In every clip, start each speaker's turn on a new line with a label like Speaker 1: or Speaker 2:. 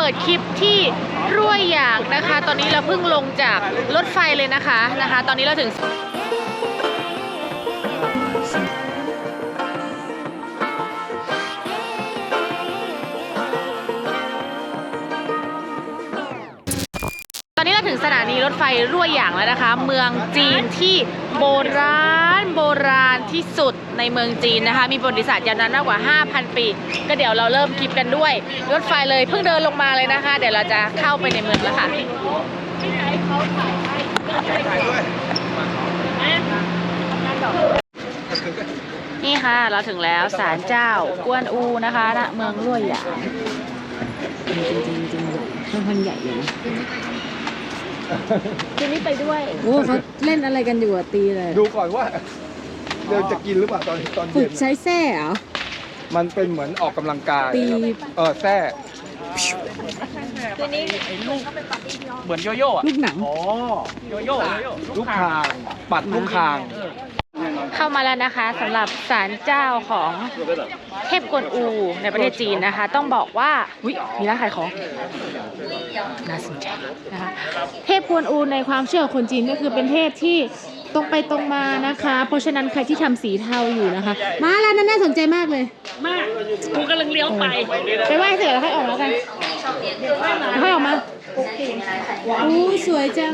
Speaker 1: ปิดคลิปที่รั่วหยางนะคะ ตอนนี้เราเพิ่งลงจากรถไฟเลยนะคะตอนนี้เราถึงสถานีรถไฟรั่วหยางแล้วนะคะเมืองจีนที่โบราณที่สุดในเมืองจีนนะคะมีประวัติศาสตร์ยาวนานมากกว่า 5,000 ปีก็เดี๋ยวเราเริ่มคลิปกันด้วยรถไฟเลยเพิ่งเดินลงมาเลยนะคะเดี๋ยวเราจะเข้าไปในเมืองแล้วค่ะนี่ค่ะเราถึงแล้วศาลเจ้ากวนอูนะคะณเมืองรั่วหยางจริงค่อนข้างใหญ่เลยนะคืนนี้ไปด้วยโอ้เขาเล่นอะไรกันอยู่อะตีเลย
Speaker 2: ดูก่อนว่าเดี๋ยวจะกินหรือเปล่าตอนเย็นฝึ
Speaker 1: กใช้แส้เหรอ
Speaker 2: มันเป็นเหมือนออกกำลังกาย
Speaker 1: ตี
Speaker 2: แส้
Speaker 1: คืนนี้
Speaker 3: ลูกเหมือนโยโย่
Speaker 1: ลูกหนัง
Speaker 3: โยโย่
Speaker 2: ลูกคางปัดลูกคาง
Speaker 1: เข้ามาแล้วนะคะสำหรับศาลเจ้าของเทพกวนอูในประเทศจีนนะคะต้องบอกว่ามีร้านขายของน่าสนใจนะคะเทพกวนอูในความเชื่อของคนจีนก็คือเป็นเทพที่ตรงไปตรงมานะคะเพราะฉะนั้นใครที่ทำสีเทาอยู่นะคะมาแล้วนั้นน่าสนใจมากเลย
Speaker 3: มากกูกำลังเลี้ยวไป
Speaker 1: ไหว้เสร็จแล้วค่อยออกแล้วกันค่อยออกมาโอ้สวยจัง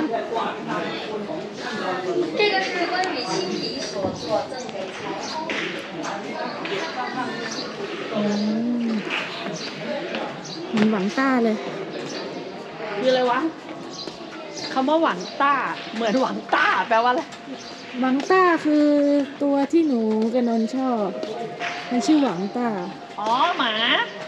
Speaker 1: 这个是关于亲笔所做赠给财มันหวังต้าเลย
Speaker 3: คืออะไรวะคำว่าหวังต้าเหมือนหวังต้าแปลว่าอะไร
Speaker 1: หวังต้าคือตัวที่หนูกับนนชอบมันชื่อหวังต้า
Speaker 3: อ๋อหมา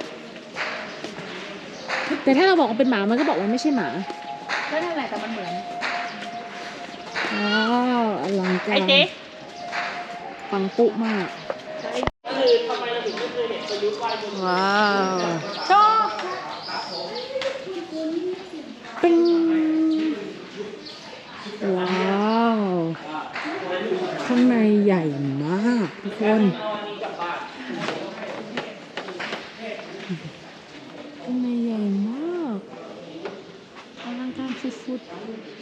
Speaker 1: แต่ถ้าเราบอกว่าเป็นหมามันก็บอกว่าไม่ใช่หมา
Speaker 3: ก็นั่นแหละแต่มันเหมือน
Speaker 1: ว้าวอลังการปังปุมากว้าวชอบเป็นว้าวข้างในใหญ่มากทุกคนข้างในใหญ่มากอลังการสุดๆ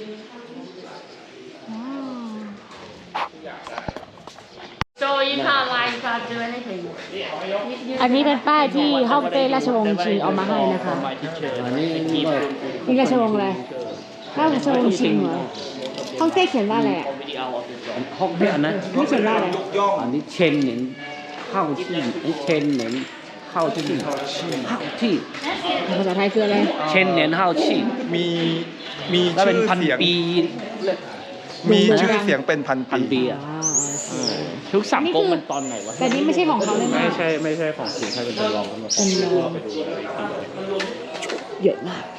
Speaker 1: อันนี้เป็นป้ายที่ฮ่องเต้ราชวงศ์ชิงเอามาให้นะคะนี่ราชวงศ์อะไรราชวงศ์ชิงเหรอฮ่องเต้เขียนว่าอะไร
Speaker 4: ฮ่องเต้นะ
Speaker 1: ไม่เขียนว่าอะไร
Speaker 4: อันนี้เชนเหนินเข้าที่เชนเหนินเข้าที่
Speaker 1: ภาษาไทยคืออะไร
Speaker 4: เชนเหนินเข้าที่
Speaker 2: มีชื่อเสียงมีชื่อเสียงเป็นพันปี
Speaker 4: ทุกสัมกงมันตอนไหนวะ
Speaker 1: แต่นี่ไม่ใช่ของเขาเลย
Speaker 4: ไม่ใช่ของจริงใช่เป็นตัวรอง
Speaker 1: เป็นรองเยอะมาก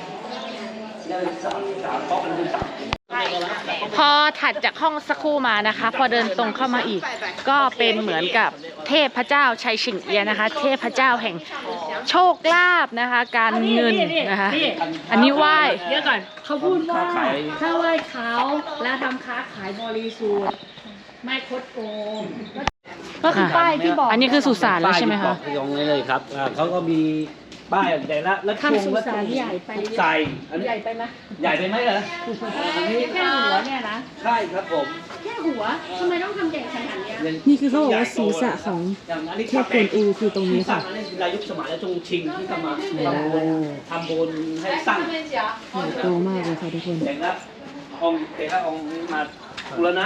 Speaker 1: พอถัดจากห้องสักครู่มานะคะพอเดินตรงเข้ามาอีกก็เป็นเหมือนกับเทพเจ้าชัยชิงเอียนะคะเทพเจ้าแห่งโชคลาภนะคะการเงินนะคะอันนี้ไหว้
Speaker 3: เดี๋ยวก่อนเขาพูดว่าถ้าไหว้เขาแล้วทำค้าขายบริสุทธิ์ไม่คดโกง
Speaker 1: ก็คือป้ายที่บอกอันนี้คือสุสานแล้วใช่ไหมคะ
Speaker 4: ตรงนี้เลยครับเขาก็มีป้ายแต่ละ
Speaker 1: ทำสุสานใหญ่ไป
Speaker 4: ใส่
Speaker 3: ใหญ่ไปไหม
Speaker 4: ใหญ่ไปไหมเหรอ
Speaker 3: อันนี้แค่หัวเนี่ยนะ
Speaker 4: ใช่ครับผม
Speaker 3: แค่หัวทำไมต้องทำใหญ่ขนาดนี้
Speaker 1: นี่คือเขาบอกว่าศีรษะของเทพกวนอูคือตรงนี้ค่ะ
Speaker 4: รายุคสมัยและจงชิงที่ทำมาทำบุญให้สร้าง
Speaker 1: โตมากเลยค่ะทุกคน
Speaker 4: แต่ละองค์มาบูรณะ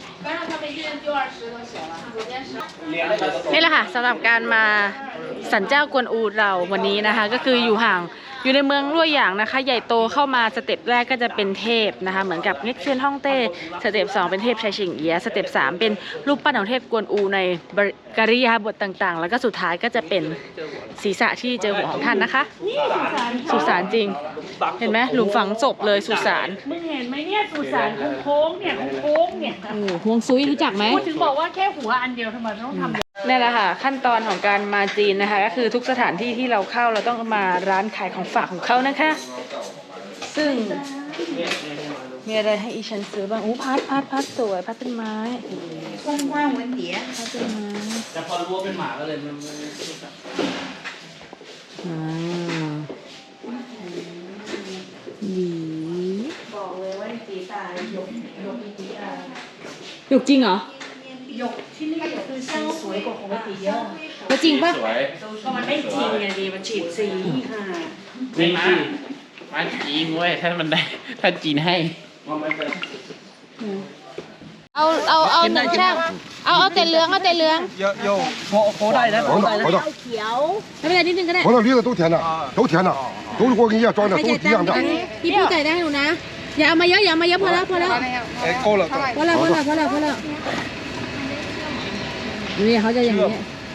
Speaker 1: นี่แหละค่ะสำหรับการมาศาลเจ้ากวนอูเราวันนี้นะคะก็คืออยู่ในเมืองรั่วหยางนะคะใหญ่โตเข้ามาสเต็ปแรกก็จะเป็นเทพนะคะเหมือนกับเง็กเซียนฮ่องเต้สเต็ป2เป็นเทพชัยชิงเอียสเต็ป3เป็นรูปปั้นของเทพกวนอูในกริยาบทต่างๆแล้วก็สุดท้ายก็จะเป็นศีรษะที่เจอหัวของท่านนะคะสุสานจริงเห็นไหมหลุมฝังศพเลยสุสาน
Speaker 3: มึงเห็นไหมเนี่ยสุสานโค้งเนี่ย
Speaker 1: ห่วงซุยรู้จักไหม
Speaker 3: พูดถึงบอกว่าแค่หัวอันเดียวทำไมต้องทำ
Speaker 1: นี่แหละค่ะขั้นตอนของการมาจีนนะคะก็คือทุกสถานที่ที่เราเข้าเราต้องมาร้านขายของฝากของเขานะคะซึ่งมีอะไรให้อีฉันซื้อบ้างพัดสวยพัดต้นไม้
Speaker 3: กว้างๆเหมือนเดีย
Speaker 1: พัดต้นไม้
Speaker 4: แต่พอรู้ว่าเป็นหมาก็เลยมัน
Speaker 1: หยกจริงเหรอ
Speaker 3: หยกที่นี่คือสีสวยกว่าของปกติเยอะ
Speaker 1: แล้วจริงปะ
Speaker 3: ก็มันไม่จริงไงดีมันฉีดสีค่ะ
Speaker 4: จริงสิมันจีนเว้ยถ้ามันได้ถ้าจีนให้
Speaker 1: เอาหนึ่งช่างเอาแต่เหลืองเอาแต่เหลือง
Speaker 2: เยอะโย
Speaker 5: 好的，好的，
Speaker 1: ไม่เป็นไรนิดนึงก็ได้
Speaker 5: 好的，驴子都甜的，都甜的，都是我跟你一样装的，都是一样的。
Speaker 1: พี่ผู้จ่ายได้ให้หนูนะ อย่าเอามาเยอะอย่าเอามาเยอะพอแล้วพอแล้ว
Speaker 2: เอ้ยโก้ละก็
Speaker 1: พอแล้วพอแล้วพอแล้วพอแล้วนี่เขาจะอย่างนี้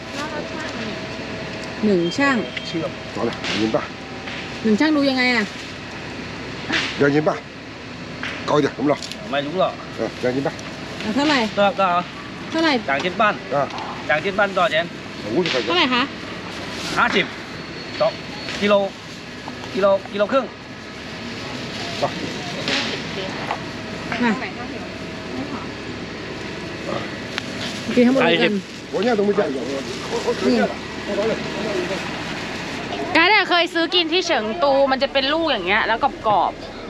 Speaker 1: หนึ่งช่าง
Speaker 5: 好了，2斤半，
Speaker 1: หนึ่งช่างดูยังไงอ่ะ
Speaker 5: 2斤半，高一点，怎么着？
Speaker 6: 买足了，
Speaker 5: 2斤半，
Speaker 1: เอาเท่าไหร่
Speaker 6: 多少多少？
Speaker 1: เท่าไหร่
Speaker 6: 2斤半，
Speaker 5: 啊
Speaker 6: 2斤半多少钱？
Speaker 5: ，50块
Speaker 1: เท่า
Speaker 5: 钱
Speaker 1: ไห。ร่คะ
Speaker 6: 50，走，kiloครึ่ง
Speaker 1: มากินทั้งหมดเลยกัน
Speaker 5: 我现在都没见过。
Speaker 1: นี่การเนี่ยเคยซื้อกินที่เฉิงตูมันจะเป็นลูกอย่างเงี้ยแล้วกรอบ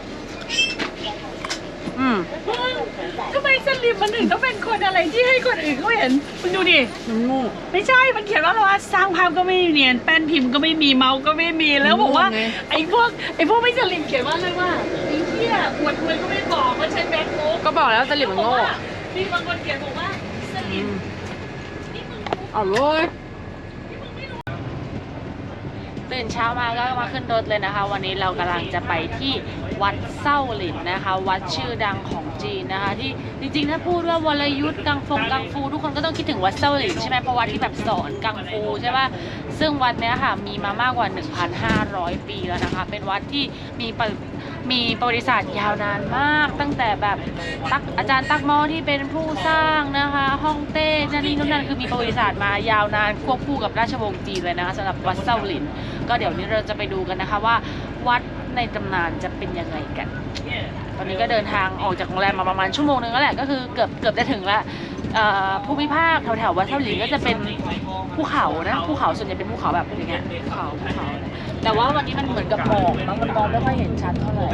Speaker 1: ๆ
Speaker 3: ทำไมสลิมมันถึงต้องเป็นคนอะไรที่ให้คนอื่นเขาเห็นมึงดูดิ
Speaker 1: มันโง่
Speaker 3: ไม่ใช่ มันเขียนว่าอะไรวะสร้างภาพก็ไม่เนียนแป้นพิมพ์ก็ไม่มีเมาส์ก็ไม่มีแล้วบอกว่า
Speaker 1: ไง
Speaker 3: ไอ้พวกไม่สลิมเขียนว่าอะไรว่าไอ้เหี้ยอวดรวยก็ไม่บอกว่าใช้แบงค์โง่
Speaker 1: ก็บอกแล้วสลิมมันโง่
Speaker 3: มีบางคนเขียนบอกว่าสลิม
Speaker 1: เอาเลยตื่นเช้ามาก็มาขึ้นรถเลยนะคะ วันนี้เรากำลังจะไปที่วัดเส้าหลินนะคะ วัดชื่อดังของจีนนะคะ ที่จริงๆถ้าพูดว่าวรยุทธ์กังฟูทุกคนก็ต้องคิดถึงวัดเส้าหลินใช่ไหมเพราะวัดที่แบบสอนกังฟูใช่ป่ะซึ่งวัดเนี้ยค่ะมีมามากกว่า 1,500 ปีแล้วนะคะ เป็นวัดที่มีประวัติศาสตร์ยาวนานมาก ตั้งแต่แบบอาจารย์ตักหม้อที่เป็นผู้สร้างนะคะฮ่องเต้นั่นคือมีประวัติศาสตร์มายาวนานควบคู่กับราชวงศ์จีนเลยนะคะสำหรับวัดเส้าหลินก็เดี๋ยวนี้เราจะไปดูกันนะคะว่าวัดในตำนานจะเป็นยังไงกัน ตอนนี้ก็เดินทางออกจากโรงแรมมาประมาณชั่วโมงนึงแล้วแหละก็คือเกือบจะถึงแล้วภูมิภาคแถววัดเส้าหลินก็จะเป็นภูเขานะภูเขาส่วนใหญ่เป็นภูเขาแบบอย่างเงี้ยภูเขาแต่ว่าวันนี้มันเหมือนกับหมอกมันมองไม่ค่อยเห็นชัดเท่าไหร่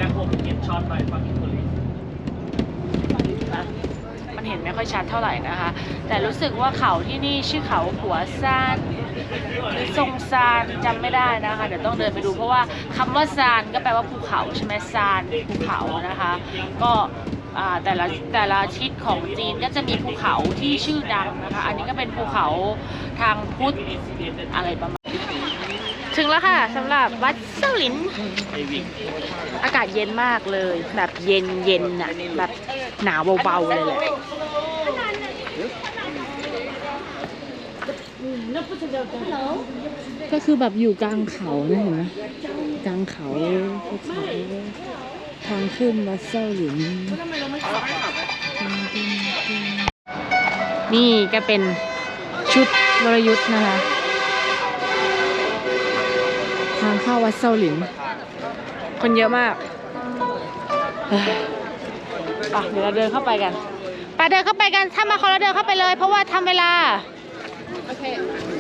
Speaker 1: มันเห็นไม่ค่อยชัดเท่าไหร่นะคะ แต่รู้สึกว่าเขาที่นี่ชื่อเขาหัวซานหรือทรงซานจำไม่ได้นะคะเดี๋ยวต้องเดินไปดูเพราะว่าคำว่าซานก็แปลว่าภูเขาใช่ไหมซานภูเขานะคะก็แต่ละทิศของจีนก็จะมีภูเขาที่ชื่อดังนะคะอันนี้ก็เป็นภูเขาทางพุทธอะไรประมาณถึงแล้วค่ะสำหรับวัดเส้าหลินอากาศเย็นมากเลยแบบเย็นน่ะแบบหนาวเบาๆเลยแหละก็คือแบบอยู่กลางเขานะเห็นไหมกลางเขาภูเขาทางขึ้นวัดเส้าหลินนี่ก็เป็นชุดวรยุทธ์นะคะทางเข้าวัดเส้าหลินคนเยอะมากเดี๋ยวเราเดินเข้าไปกันเดินเข้าไปกันถ้ามาคนเราเดินเข้าไปเลยเพราะว่าทำเวลาโอเค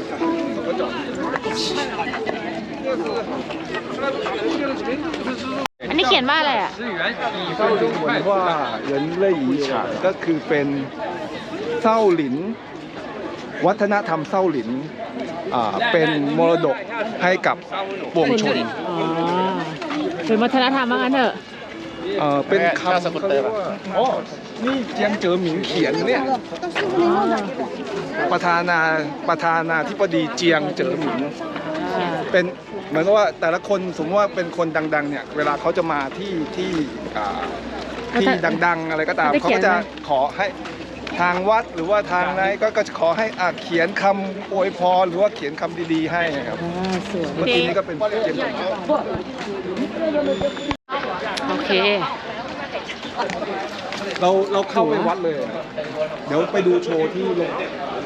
Speaker 1: อันนี้เขียนว่าอะไรอ่ะ
Speaker 2: ก็ดูเหมือนว่าเหรินเล่ยอีฉางก็คือเป็นเส้าหลินวัฒนธรรมเส้าหลินเป็นมรดกให้กับปวงชน
Speaker 1: อ๋อเป็นวัฒนธรรมว่างั้นเถอะ
Speaker 2: เป็นคำเขาเรียกว่าอ๋อนี่เจียงเจ๋อหมิงเขียนเนี่ยประธานาธิบดีเจียงเจ๋อหมิงเป็นเหมือนกับว่าแต่ละคนสมมติว่าเป็นคนดังๆเนี่ยเวลาเขาจะมาที่ดังๆอะไรก็ตามเขาก็จะขอให้ทางวัดหรือว่าทางไหนก็จะขอให้เขียนคำอวยพรหรือว่าเขียนคำดีๆให้ครับ
Speaker 1: สวย
Speaker 2: เมื่อกี้นี้ก็เป็นเจียงเจ๋อหมิง
Speaker 1: โอเค
Speaker 2: เราเข้าไปวัดเลย เดี๋ยวไปดูโชว์ที่โรง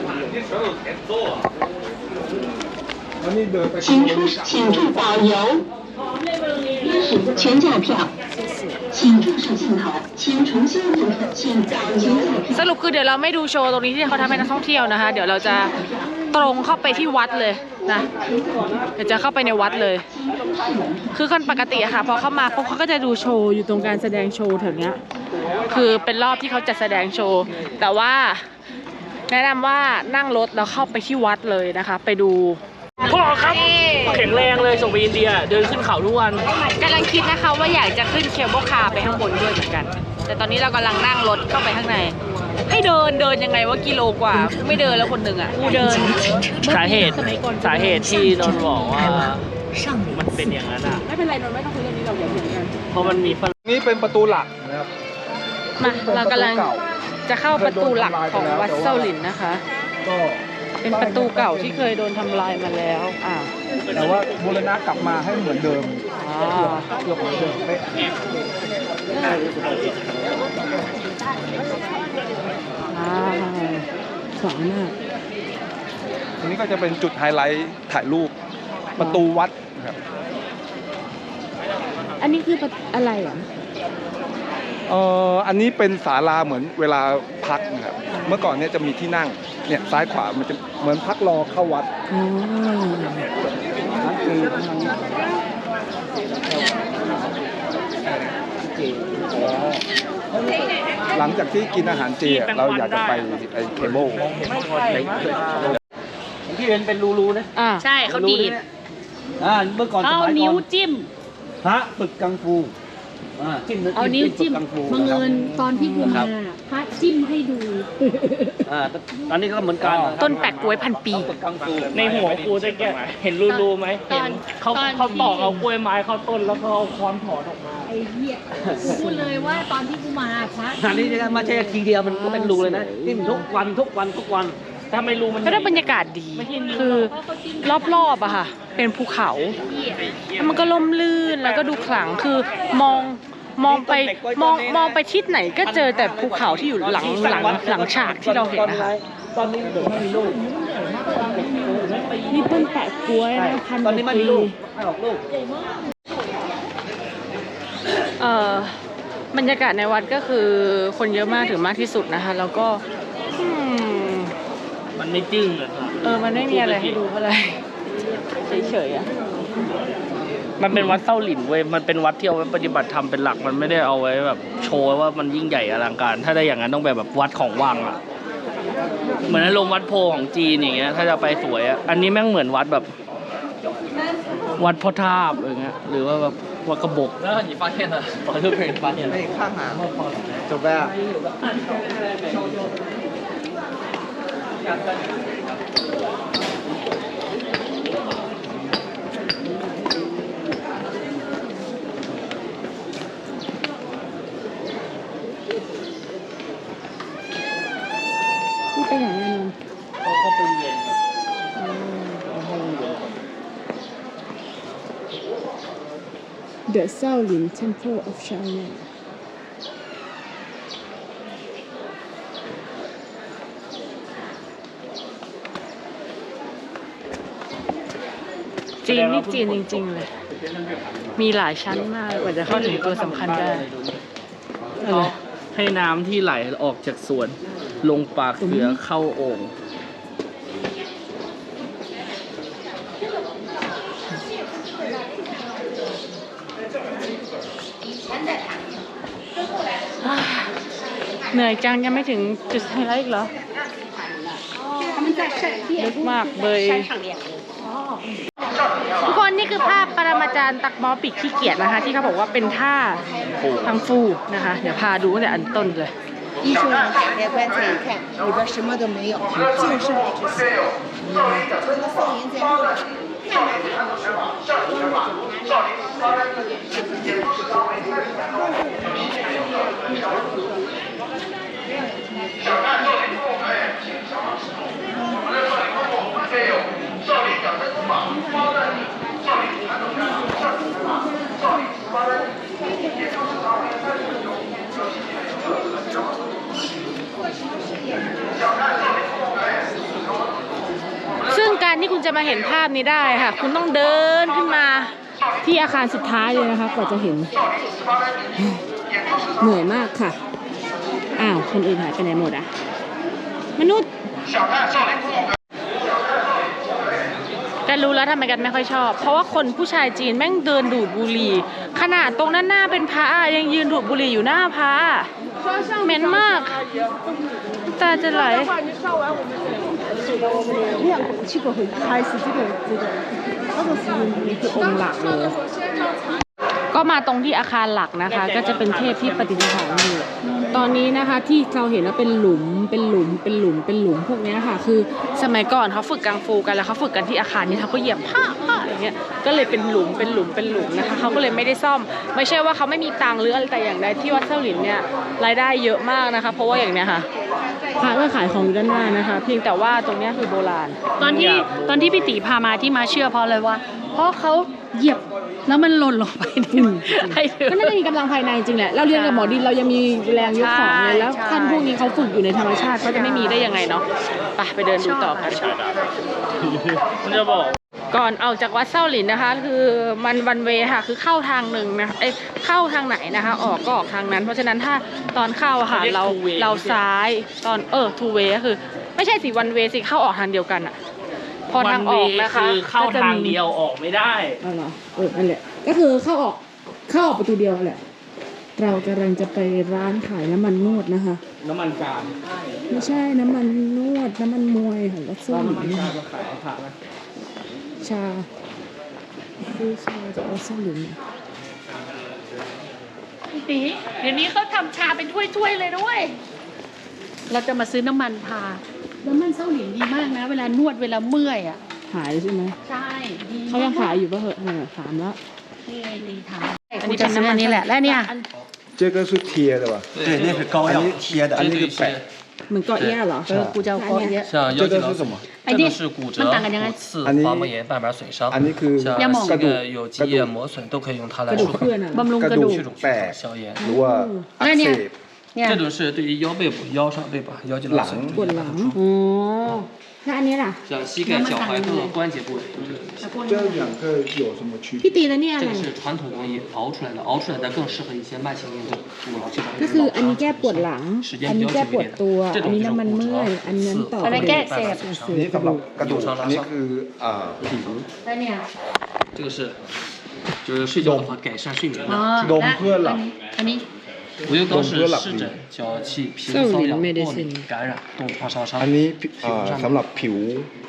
Speaker 2: แล้วนี่เดินไป
Speaker 7: 请注导游，历史全价票，请注视镜头，请重新复刻，请导游票。
Speaker 1: สรุปคือเดี๋ยวเราไม่ดูโชว์ตรงนี้ที่เขาทำให้นักท่องเที่ยวนะคะ เดี๋ยวเราจะตรงเข้าไปที่วัดเลยนะเดี๋ยวจะเข้าไปในวัดเลย คือคนปกติอะค่ะพอเข้ามาปุ๊บเขาก็จะดูโชว์อยู่ตรงการแสดงโชว์แถวเนี้ยคือเป็นรอบที่เขาจัดแสดงโชว์ แต่ว่าแนะนำว่านั่งรถแล้วเข้าไปที่วัดเลยนะคะ ไปดู
Speaker 3: พ่อครับแข็งแรงเลยส่งไปอินเดียเดินขึ้นเขาทุกวัน
Speaker 1: กำลังคิดนะคะว่าอยากจะขึ้นเคเบิลคาร์ไปข้างบนด้วยเหมือนกัน แต่ตอนนี้เรากำลังนั่งรถเข้าไปข้างใน ให้เดินยังไงว่ากิโลกว่าไม่เดินแล้วคนหนึ่งอ่ะกูเดิน
Speaker 3: สาเหตุที่นนท์บอกว่ามันเป็นอย่างนั้นอ่ะ
Speaker 1: ไม่เป็นไรนนท์ไม่ต้องคุยเรื่องนี้เราเดี๋ยวเหมือนกัน
Speaker 3: เพราะมันมีฝรั่ง
Speaker 2: นี่เป็นประตูหลักนะครับ
Speaker 1: มาเรากำลังจะเข้าประตูหลักของวัดเซาหลินนะคะ
Speaker 2: ก็
Speaker 1: เป็นประตูเก่าที่เคยโดนทำลายมาแล้ว
Speaker 2: แต่ว่าบูรณะกลับมาให้เหมือนเดิม
Speaker 1: อ๋อ
Speaker 2: เกือบเหมือนเดิมเป๊ะ
Speaker 1: สวยมาก
Speaker 2: ทีนี้ก็จะเป็นจุดไฮไลท์ถ่ายรูปประตูวัดนะครับ
Speaker 1: อันนี้คืออะไรอ่ะ
Speaker 2: อันนี้เป็นศาลาเหมือนเวลาพักนะครับเมื่อก่อนเนี่ยจะมีที่นั่งเนี่ยซ้ายขวามันจะเหมือนพักรอเข้าวัดนั่นคือหลังจากที่กินอาหารเจเราอยากจะไปไอเคเบิล
Speaker 4: ที่เป็นรูๆนะ
Speaker 1: ใช่เขาดีด
Speaker 4: เมื่อก่อนส
Speaker 3: เอา
Speaker 4: มัยก่
Speaker 3: นิ้ว
Speaker 4: อน
Speaker 3: จิ้ม
Speaker 4: พระฝึกกังฟูจิ้ม
Speaker 3: เอานิ้วจิ้ม
Speaker 4: ฝึกกังฟู
Speaker 3: บังเอิญตอนที่กูมาพระจิ้มให้ดู
Speaker 4: ตอนนี้ก็เหมือนกัน
Speaker 1: ต้นแปะกล้วยพันปี
Speaker 4: ฝึกกังฟู
Speaker 3: ในหัวกูจะแกเห็นรูๆไหมเห็นเขาตอกเอากล้วยไม้เข้าต้นแล้วก็เอาค้อนถอนออกมาไอ้เหี้ยกูพูดเลยว่าตอนที่กูมาพระ
Speaker 4: อันนี้ไม่ใช่ทีเดียวมันก็เป็นรูเลยนะจิ้มทุกวัน
Speaker 3: ถ้าไม่รู้มัน
Speaker 1: ก็ได้บรรยากาศดี คือรอบๆอะค่ะ เป็นภูเขาแล้วมันก็ล่มลื่นแล้วก็ดูขลังคือมองไปทิศไหนก็เจอแต่ภูเขาที่อยู่หลังฉากที่เราเห็นนะคะ
Speaker 4: ตอนนี้ไม่มีลูก
Speaker 1: นี่ต้นแปะกล้วยนะพัน
Speaker 4: ตอนนี้ไม่มีลูกไม่ออกลูก
Speaker 1: บรรยากาศในวัดก็คือคนเยอะมากถึงมากที่สุดนะคะ แล้วก็
Speaker 3: มันไม่จึ้งเลย
Speaker 1: มันไม่มีอะไรให้ดูเท่าไหร่เฉยๆอะ
Speaker 3: มันเป็นวัดเส้าหลินเว้ยมันเป็นวัดที่เอาไว้ปฏิบัติธรรมเป็นหลักมันไม่ได้เอาไว้แบบโชว์ว่ามันยิ่งใหญ่อลังการ ถ้าได้อย่างนั้นต้องแบบวัดของว่างอะเหมือนอารมณ์วัดโพของจีนอย่างเงี้ยถ้าจะไปสวยอะอันนี้แม่งเหมือนวัดแบบวัดพ่อทาบอย่างเงี้ยหรือว่าแบบวัดกระบอกแล้ว你发现了我就被人发现了
Speaker 2: 看หาจบแล้ว
Speaker 1: นี่ไปไหนอะนนท์
Speaker 3: เขาไปเรียน
Speaker 1: The Shaolin Temple of China จีนนี่จีนจริงๆเลย มีหลายชั้นมากกว่าจะเข้าถึงตัวสำคัญได้
Speaker 3: ให้น้ำที่ไหลออกจากสวนลงปากเสือเข้าโอ่ง
Speaker 1: เหนื่อยจังยังไม่ถึงจุดไฮไลท์อีกเหรอลึกมากเบยทุกคนนี่คือภาพปรมาจารย์ตักหม้อปีกขี้เกียจนะคะ ที่เขาบอกว่าเป็นท่าทางฟูนะคะ เดี๋ยวพาดูตั้งแต่อันต้นเลย
Speaker 8: 艺术人打开棺材一看，里边什么都没有，净是那只死。这个宋银在后边。
Speaker 1: ซึ่งการที่คุณจะมาเห็นภาพนี้ได้ค่ะ คุณต้องเดินขึ้นมาที่อาคารสุดท้ายเลยนะคะกว่าจะเห็น เหนื่อยมากค่ะ อ้าวคนอื่นหายไปไหนหมดอ่ะ มนุษย์ ใกกันรู้แล้วทำไมกันไม่ค่อยชอบ เพราะว่าคนผู้ชายจีนแม่งเดินดูดบุหรี่ขนาดตรงด้านหน้าเป็นพระยังยืนดูดบุหรี่อยู่หน้าพระเหม็นมากตาจะไหลก็มาตรงที่อาคารหลักนะคะ ก็จะเป็นเทพที่ปฏิสถานอยู่ตอนนี้นะคะที่เราเห็นว่าเป็นหลุมพวกนี้ค่ะคือสมัยก่อนเขาฝึกกังฟูกันแล้วเขาฝึกกันที่อาคารนี้เขาก็เหยียบผ้าอย่างเงี้ยก็เลยเป็นหลุมนะคะเขาก็เลยไม่ได้ซ่อมไม่ใช่ว่าเขาไม่มีตังค์หรืออะไรแต่อย่างใดที่วัดเส้าหลินเนี่ยรายได้เยอะมากนะคะเพราะว่าอย่างเนี้ยค่ะพระก็ขายของอยู่ด้านหน้านะคะเพียงแต่ว่าตรงนี้คือโบราณตอนที่พี่ตีพามาที่มาเชื่อเพราะอะไรวะเพราะเขาเหยียบแล้วมันหล่นลงไปก็น่าจะมีกำลังภายในจริงแหละเราเรียนกับหมอดินเรายังมีแรงยกของเลยแล้วท่านพวกนี้เขาฝึกอยู่ในธรรมชาติเขาจะไม่มีได้ยังไงเนาะไปเดินดูต่อกัน
Speaker 3: มันจะบอก
Speaker 1: ก่อนออกจากวัดเส้าหลินนะคะคือมันวันเวค่ะคือเข้าทางหนึ่งนะเข้าทางไหนนะคะออกก็ออกทางนั้นเพราะฉะนั้นถ้าตอนเข้าค่ะเราซ้ายตอนทูเวก็คือไม่ใช่สิวันเวสิเข้าออกทางเดียวกันอะพอทางออกนะคะ
Speaker 3: คือเข้าทางเดียวออกไม่ได้
Speaker 1: เหรอนั่นแหละก็คือเข้าออกประตูเดียวแหละเรากำลังจะไปร้านขายน้ำมันนวดนะคะ
Speaker 3: น้ำมันกา
Speaker 1: ไม่ใช่น้ำมันนวดน้ำมันมวยของวัดเส้าหลิน
Speaker 3: ขายผักนะ
Speaker 1: ชาซื้อชาจากวัดเส้าหลินตีเดี๋ยวนี้เขาทำชาเป็นถ้วยๆเลยด้วยเราจะมาซื้อน้ำมันพาน้ำมันเส้าหลินดีมากนะเวลานวดเวลาเมื่อยอ่ะขายใช่ไหมใช่เขายังขายอยู่ป่ะเหรอถามแล้วดีถามอันนี้เป็นน้ำมันนี่แหละและเนี่ย
Speaker 2: 这个是贴的吧？
Speaker 6: 对，那是膏药，
Speaker 2: 贴的，那个摆。
Speaker 1: เหมือนเกาะเอี้ยเหรอกูจะเกาะเอี้ย
Speaker 6: 像腰肌劳损，这个是骨折、骨刺、滑膜炎、半板损伤，
Speaker 2: อันนี้คือ
Speaker 6: 像这个有积液磨损都可以用它来处理，
Speaker 1: บำรุงกระดูก
Speaker 2: 去แตกหรือว่าอักเสบ
Speaker 6: 这种是对于腰背部、腰上对吧？腰肌劳损
Speaker 1: ปวดหลังอ๋อแล้วอันนี้ล่ะ
Speaker 6: 像膝盖、脚踝各个关节部位都是
Speaker 2: 这两个有什么区别？
Speaker 1: พี่ตีแล้วเนี่ยอะไร
Speaker 6: 这个是传统工艺熬出来的，熬出来的更适合一些慢性运动，如劳气
Speaker 1: ก็คืออันนี้แก้ปวดหลังอันนี้แก้ปวดตัวอันนี้น้ำมันเมื่อยอันนั้นต่อไปแก้เสพ
Speaker 2: นี้สำหรับกระดูกอันนี้คือผิว
Speaker 1: แล้วเนี่ย
Speaker 6: 这个是就是睡觉的话改善睡眠的
Speaker 2: ดมเพื่อหลับ
Speaker 1: อันนี้
Speaker 6: 无忧膏是湿疹、脚气、皮肤瘙痒、过敏、感染、冻发烧伤。
Speaker 2: อันนี้สำหรับผิว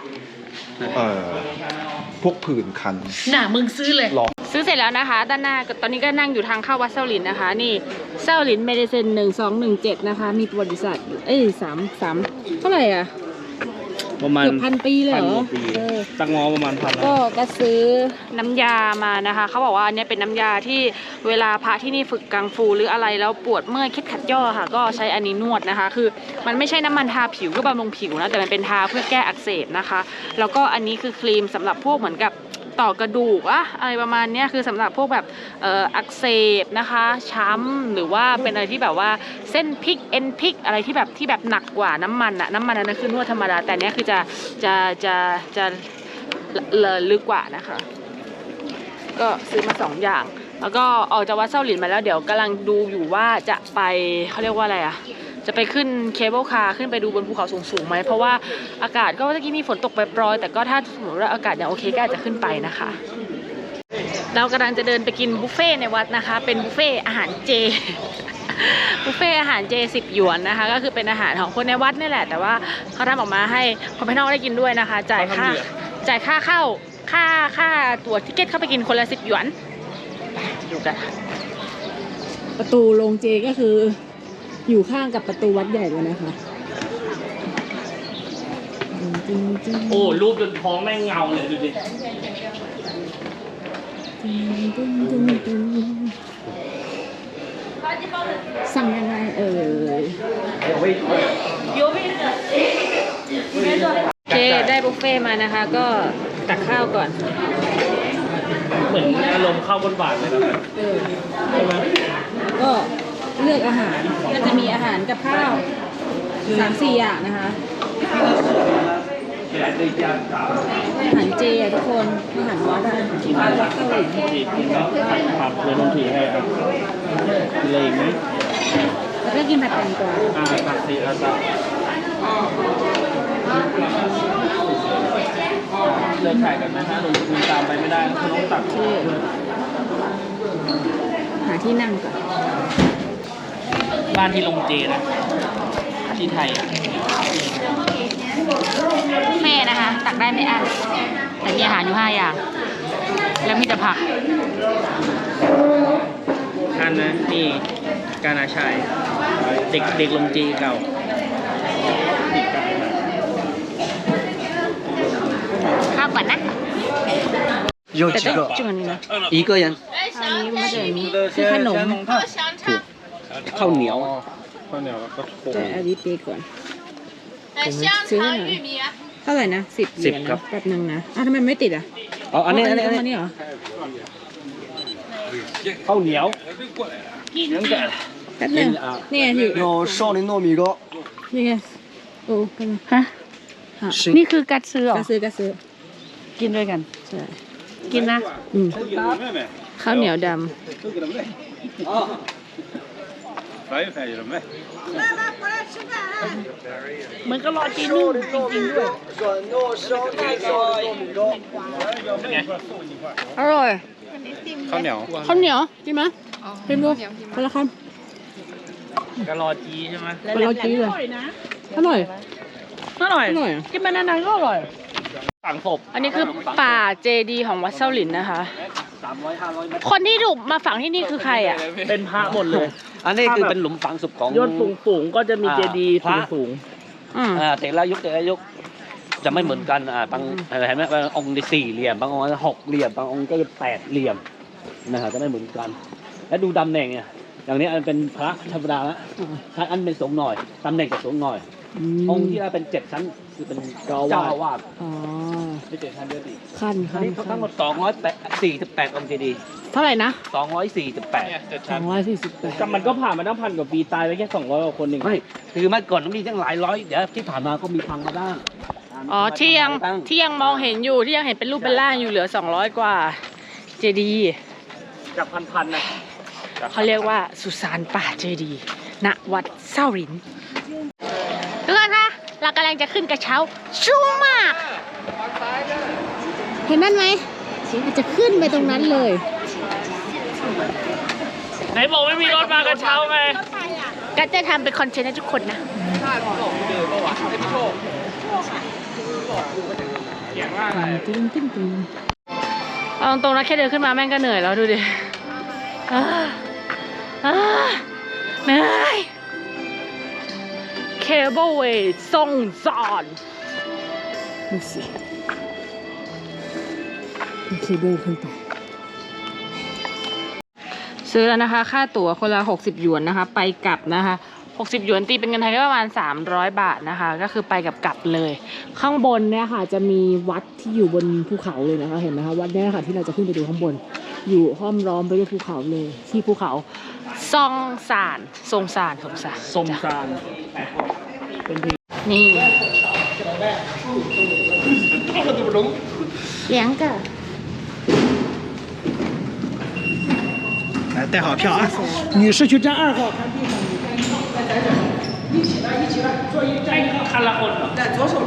Speaker 2: พวกผื่นคัน
Speaker 1: น่ะมึงซื้อเลยซื้อเสร็จแล้วนะคะด้านหน้าตอนนี้ก็นั่งอยู่ทางเข้าวัดเส้าหลินนะคะนี่เส้าหลินเมดิเซน1217นะคะมีประวัติศาสตร์3เท่าไหร่อ่ะ
Speaker 3: ประมาณ
Speaker 1: เกือบ1,000 ปีเลยเหรอ
Speaker 3: ตั้งงอประมาณ1,000
Speaker 1: ก็ซื้อน้ำยามานะคะเขาบอกว่าอันนี้เป็นน้ำยาที่เวลาพระที่นี่ฝึกกังฟูหรืออะไรแล้วปวดเมื่อยเคล็ดขัดย่อค่ะก็ใช้อันนี้นวดนะคะคือมันไม่ใช่น้ำมันทาผิวก็บำรุงผิวนะแต่มันเป็นทาเพื่อแก้อักเสบนะคะแล้วก็อันนี้คือครีมสำหรับพวกเหมือนกับต่อกระดูกอะไรประมาณนี้คือสำหรับพวกแบบอักเสบนะคะช้ำหรือว่าเป็นอะไรที่แบบว่าเส้นพลิกเอ็นพลิกอะไรที่แบบหนักกว่าน้ำมันอะน้ำมันนั้นคือนวดธรรมดาแต่เนี้ยคือจะลึกกว่านะคะก็ซื้อมา2อย่างแล้วก็ออกจากวัดเส้าหลินมาแล้วเดี๋ยวกำลังดูอยู่ว่าจะไปเขาเรียกว่าอะไรอะจะไปขึ้นเคเบิลคาร์ขึ้นไปดูบนภูเขาสูงๆไหมเพราะว่าอากาศก็เมื่อกี้มีฝนตกปรอยๆแต่ก็ถ้าสมมติว่าอากาศยังโอเคก็อาจจะขึ้นไปนะคะเรากำลังจะเดินไปกินบุฟเฟ่ในวัดนะคะเป็นบุฟเฟ่อาหารเจบุฟเฟ่อาหารเจ10 หยวนนะคะก็คือเป็นอาหารของคนในวัดนี่แหละแต่ว่าเขาทำออกมาให้คนภายนอกได้กินด้วยนะคะจ่ายค่าเข้าค่าตั๋วทิเก็ตเข้าไปกินคนละ10 หยวนดูกันประตูโรงเจก็คืออยู่ข้างกับประตูวัดใหญ่เลยนะคะ
Speaker 3: โอ้รูปจนท้องแม่งเงาเลยดูดิ
Speaker 1: สั่งยังไงโอเคได้บุฟเฟ่มานะคะก็ตักข้าวก่อน
Speaker 3: เหมือนอารมณ์ข้าวบนบาทเลยนะใช่ไหม
Speaker 1: ก็เลือกอาหารก็จะมีอาหารกับข้าว 3-4 อย่างนะคะอาหารเจอ่ะทุกคนอาหารวัดอ่ะวัดเกาหลี
Speaker 3: ผัดเลยลงถือให้ครับกินอะไรอีกไหม
Speaker 1: แล้วก็กินผัดแตงกวา
Speaker 3: ผัดซีอาซาเลิกถ่ายกันไหมถ้าลงทุนตามไปไม่ได้ก็คือต้องตัด
Speaker 1: หาที่นั่งก่อน
Speaker 3: บ้านที่ลงเจนะที่ไทยอ่ะ
Speaker 1: แม่นะคะ ตักได้ไม่อั้นแต่มีอาหารอยู่5 อย่าง แล้วมีแต่ผัก
Speaker 3: อันนะนี่กานาชัยเด็กลงเจเก่า
Speaker 1: ข้าวก่อนนะ
Speaker 6: 有
Speaker 1: แต่
Speaker 6: 几
Speaker 1: ต้อง
Speaker 6: 个？
Speaker 1: จุ่มนี้นะ
Speaker 6: 一个人。
Speaker 1: อันนี้มันจะมีคือขนม
Speaker 4: ข้าวเหนียว
Speaker 1: แต่อันนี้ปีก่อนซื้อหน่อยเท่าไหร่นะ10 เหรียญ
Speaker 4: ครับ
Speaker 1: แป๊บนึงนะอ้าวทำไมไม่ติดอ่ะ
Speaker 4: อ๋ออันนี้
Speaker 1: อั
Speaker 4: อั
Speaker 1: น
Speaker 4: น
Speaker 1: นี้
Speaker 4: นี้
Speaker 1: อันนี้เหรอ
Speaker 4: ข้าวเหนียว
Speaker 1: แป๊บนึงนี่ไงอยู่
Speaker 6: 有少林糯米糕，
Speaker 1: นี่ไงโอ้กันฮะนี่คือกัดซื้อหรอกัดซื้อกินด้วยกันใช่กินนะข้าวเหนียวดำเหมือนก็รอจีนนึ่งจริงๆด้วยอร่อยข้าวเหนียวกินไหมชิมดูคนละคำ
Speaker 3: กะลอจีใช่ไหม
Speaker 1: คนละจีเลยอร่อย
Speaker 3: อร่อย
Speaker 1: อร่อย
Speaker 3: กินมานานๆก็อร่อยสั่งศพ
Speaker 1: อันนี้คือป่าเจดีย์ของวัดเซาหลินนะคะ
Speaker 3: 300-500 เมตร
Speaker 1: คนที่ถูกมาฝังที่นี่คือใครอ่ะ
Speaker 3: เป็นพระหมดเลย
Speaker 4: อันนี้คือเป็นหลุมฝังศพของ
Speaker 3: ยอดสูงๆก็จะมีเจดีย์
Speaker 4: พระ
Speaker 3: สูง
Speaker 4: แต่ละยุคจะไม่เหมือนกันบางเห็นไหมบางองค์ได้4 เหลี่ยมบางองค์6 เหลี่ยมบางองค์ก็8 เหลี่ยมนะครับจะไม่เหมือนกัน แล้วดูตำแหน่งเนี่ยอย่างนี้อันเป็นพระธรรมดาละถ้าอันเป็นสูงหน่อยตำแหน่งจะสูงหน่อย องค์ที่เป็น7 ชั้นคือเป็นเจ้าอาวาส
Speaker 1: อ๋อ
Speaker 4: ไม่7 ชั้นเดียวดิ
Speaker 1: ขั้น
Speaker 4: อันนี้ทั้งหมด248 องค์เจดีย์
Speaker 1: เท่าไหร่นะ
Speaker 4: 248
Speaker 1: 248
Speaker 3: แต่มันก็ผ่านมาตั้ง1,000 กว่าปีตายไปแค่200 กว่าคนเอง
Speaker 4: ไม่คือเมื่อก่อนมีตั้งหลายร้อยเดี๋ยวที่ผ่านมาก็มีพังมาบ้าง
Speaker 1: อ๋อที่ยังมองเห็นอยู่ที่ยังเห็นเป็นรูปเป็นร่างอยู่เหลือ200 กว่าเจดีย์
Speaker 3: จากพันๆนะ
Speaker 1: เขาเรียกว่าสุสานป่าเจดีย์ณวัดเซาหลินทุกคนคะเรากำลังจะขึ้นกระเช้าชูมาก เห็นนั่นไหมเราจะขึ้นไปตรงนั้นเลย
Speaker 3: ไหนบอกไม่มีรถมากระเช้าไง
Speaker 1: ก็จะทำเป็นคอนเทนต์ให้ทุกคนนะเอาตรงๆนะแค่เดินขึ้นมาแม่งก็เหนื่อยแล้วดูดิเหนื่อยเคเบิลเวย์ทรงสอนดูสิเคเบิลขึ้นไปซื้อแล้วนะคะค่าตั๋วคนละ60 หยวนนะคะไปกลับนะคะ60 หยวนตีเป็นเงินไทยก็ประมาณ300 บาทนะคะก็คือไปกับกลับเลยข้างบนเนี่ยค่ะจะมีวัดที่อยู่บนภูเขาเลยนะคะเห็นไหมคะวัดเนี่ยค่ะที่เราจะขึ้นไปดูข้างบนอยู่ห้อมล้อมไปด้วยภูเขาเลยที่ภูเขาซองซานนี่เลี้ยงกะ
Speaker 6: 来带好票啊！女士去站2号。
Speaker 3: คันละคนเหรอ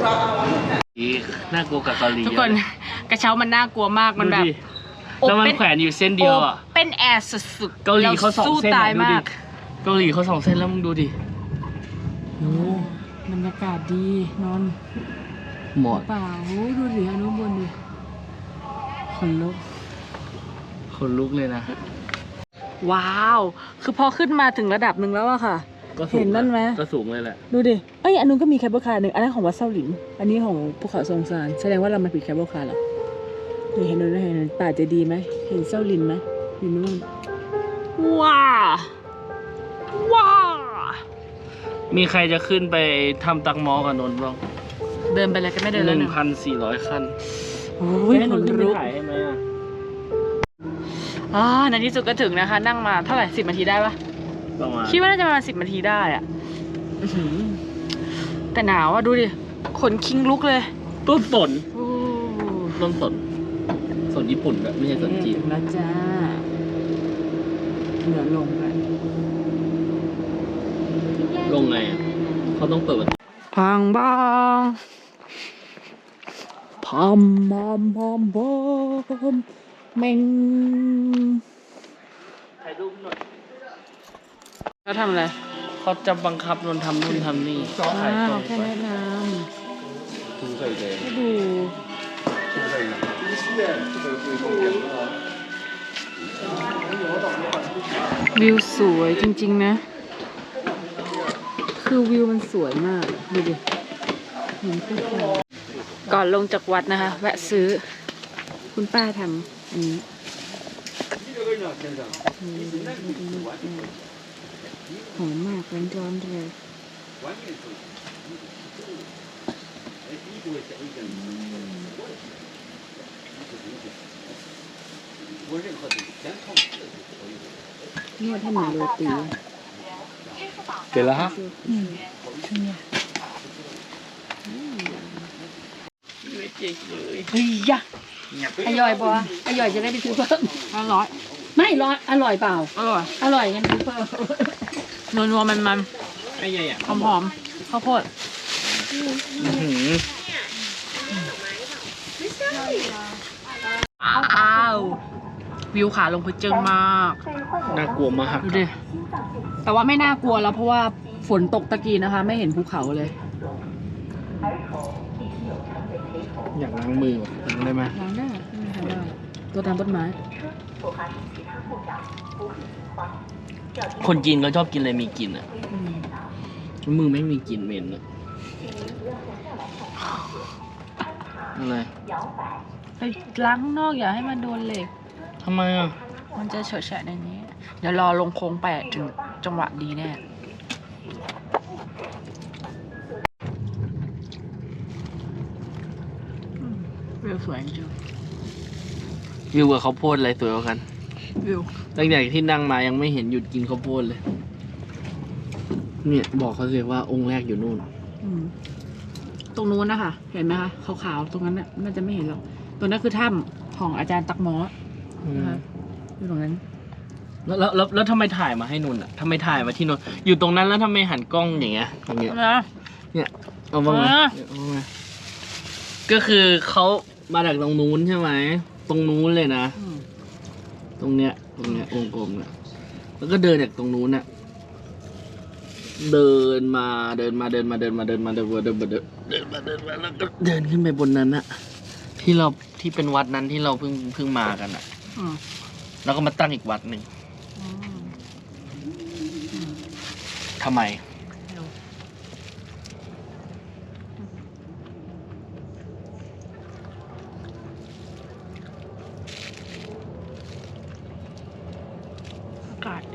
Speaker 3: น่ากลัวกับเกาหลี
Speaker 1: ทุกคนกระเช้ามันน่ากลัวมากมันแบบ
Speaker 3: แล้วมันแขวนอยู่เส้นเดียวอ่ะ
Speaker 1: เป็นแอร์สุดๆ
Speaker 3: เกาหลีเขา2
Speaker 1: สู้
Speaker 3: เส้น
Speaker 1: ตาย
Speaker 3: ดู
Speaker 1: มา
Speaker 3: ดิ
Speaker 1: ก
Speaker 3: เกาหลีเขา2 เส้นแล้วมึงดูดิ
Speaker 1: โอ้บรรยากาศดีนอน
Speaker 3: หมด
Speaker 1: เปล่าโอ้ดูดิอนุบนดิคนลุก
Speaker 3: คนลุกเลยนะ
Speaker 1: ว้าว คือพอขึ้นมาถึงระดับหนึ่งแล้วอะค่ะ
Speaker 3: ก็สูง
Speaker 1: เห็นนั่นไหม
Speaker 3: ก็สูงเลยแหละ
Speaker 1: ดูดิเอ้ยอันนู้นก็มีแคเบิลคาร์หนึ่งอันนั้นของวัดเซาหลินอันนี้ของภูเขาซงซานแสดงว่าเรามาผิดแคเบิลคาร์เหรอนี่เห็นนู่นเห็นป่าจะดีไหมเห็นเซาหลินไหมอยู่นู่นว้าว้า
Speaker 3: มีใครจะขึ้นไปทำตักหมอกับนนท์บ้าง
Speaker 1: เดินไปเลยก็ไม่เดินแล้วนะ
Speaker 3: 1,400 ขั้น
Speaker 1: โอ้ย
Speaker 3: ให้
Speaker 1: ข
Speaker 3: นน
Speaker 1: น
Speaker 3: ท์ขึ้นไป
Speaker 1: ลุก
Speaker 3: ถ่ายให้ไหมอ่ะ
Speaker 1: ในที่สุดก็ถึงนะคะ นั่งมาเท่าไหร่10 นาทีได้ปะ
Speaker 3: ประมาณ
Speaker 1: คิดว่าน่าจะประมาณ10 นาทีได้อะอื้อหือแต่หนาวอะดูดิขนคิงลุกเลย
Speaker 3: ต้นสน
Speaker 1: โอ้
Speaker 3: ต้นสนสนญี่ปุ่นแบบไม่ใช่สนจีน
Speaker 1: แล้วจ้าเดี๋ยวลงกัน
Speaker 3: ลงไงอ่ะเขาต้องเปิดประตู
Speaker 1: พังบ้างพพอมพอมพอมพอมเมง
Speaker 3: ถ่ายรูปหน่อย
Speaker 1: เขาทำอะไร
Speaker 3: เขาจะบังคับนนทำนู่นทำนี่ถ่ายตรง
Speaker 1: แค่
Speaker 3: ไป
Speaker 1: แนะนำให้ดูวิวสวยจริงๆนะ คือวิวมันสวยมาก ดูดิเห็นภูเขาก่อนลงจากวัดนะคะ แวะซื้อ คุณป้าทำอันนี้หอมมากร้อนๆเลย นวดให้เหมือนโรตี
Speaker 3: เกิดแล้วฮะ
Speaker 1: เฮ้ยยะอร่อยปะอร่อยจะได้ไปซื้อเพิ่มอร่อย ไม่ร้อยอร่อยเปล่า อร่อย อร่อยงั้นซื้อเพิ่มนัวๆมัน
Speaker 3: ไอ้ใหญ่อะ
Speaker 1: ๆหอมๆข้าวโพดอ้าววิวขาลงพื้นจึงมาก
Speaker 3: น่ากลัวมาก
Speaker 1: ดูดิ แต่ว่าไม่น่ากลัวแล้วเพราะว่าฝนตกตะกี้นะคะ ไม่เห็นภูเขาเลย
Speaker 3: อยากล้างมือว่ะล้างได้ไหม
Speaker 1: ล้างได้ไม่มีใครว่าตัวตามต้นไม้
Speaker 3: คนจีนเขาชอบกินอะไรมีกลิ่นอ่ะ
Speaker 1: อืม
Speaker 3: มือไม่มีกลิ่นเหม็นอ่ะอะไร
Speaker 1: ไปล้างข้างนอกอย่าให้มันโดนเหล็ก
Speaker 3: ทำไมอ่ะ
Speaker 1: มันจะเฉอะแฉะในนี้ เดี๋ยวรอลงโค้ง8ถึงจังหวะดีแน่วิวสวยจริง
Speaker 3: วิวกับข้าวโพดอะไรสวยกว่ากัน
Speaker 1: วิว
Speaker 3: ตั้งแต่ที่นั่งมายังไม่เห็นหยุดกินข้าวโพดเลย เนี่ยบอกเขาสิว่าองค์แรกอยู่นู่น
Speaker 1: ตรงนู้นนะคะเห็นไหมคะขาวๆตรงนั้นน่ะน่าจะไม่เห็นหรอกตรงนั้นคือถ้ำของอาจารย์ตักหมอนะคะอยู่ตรงนั้น
Speaker 3: แล้วทำไมถ่ายมาให้นุ่นอ่ะทำไมถ่ายมาที่นุ่นอยู่ตรงนั้นแล้วทำไมหันกล้องอย่างเงี้ยอย่างเงี้ย
Speaker 1: นะ
Speaker 3: เนี่ยเอาบ้างไหม
Speaker 1: อ่า
Speaker 3: เอาบ้างไหมก็คือเขามาจากตรงนู้นใช่ไหมตรงนู้นเลยนะ ตรงเนี้ยวงกลมเนี่ยแล้วก็เดินจากตรงนู้นน่ะเดินมาแล้วก็เดินขึ้นไปบนนั้นน่ะที่เป็นวัดนั้นที่เราเพิ่งมากันอ่ะ
Speaker 1: อืม
Speaker 3: แล้วก็มาตั้งอีกวัดหนึ่งทำไม
Speaker 1: อากาศดี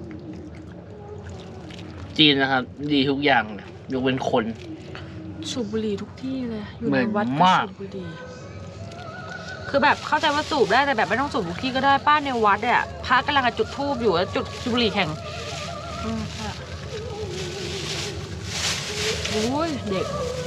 Speaker 3: จีนนะครับ ดีทุกอย่างเลยยกเว้นคน
Speaker 1: สูบบุหรี่ทุกที่เลย อยู่
Speaker 3: เหม็
Speaker 1: ใน
Speaker 3: น
Speaker 1: วัดก็
Speaker 3: มาก
Speaker 1: สูบบุหรี่คือแบบเข้าใจว่าสูบได้แต่แบบไม่ต้องสูบทุกที่ก็ได้ป้าในวัดเนี่ยพระกำลังจะจุดธูปอยู่แล้วจุดบุหรี่แข่งโอ้ยเด็ก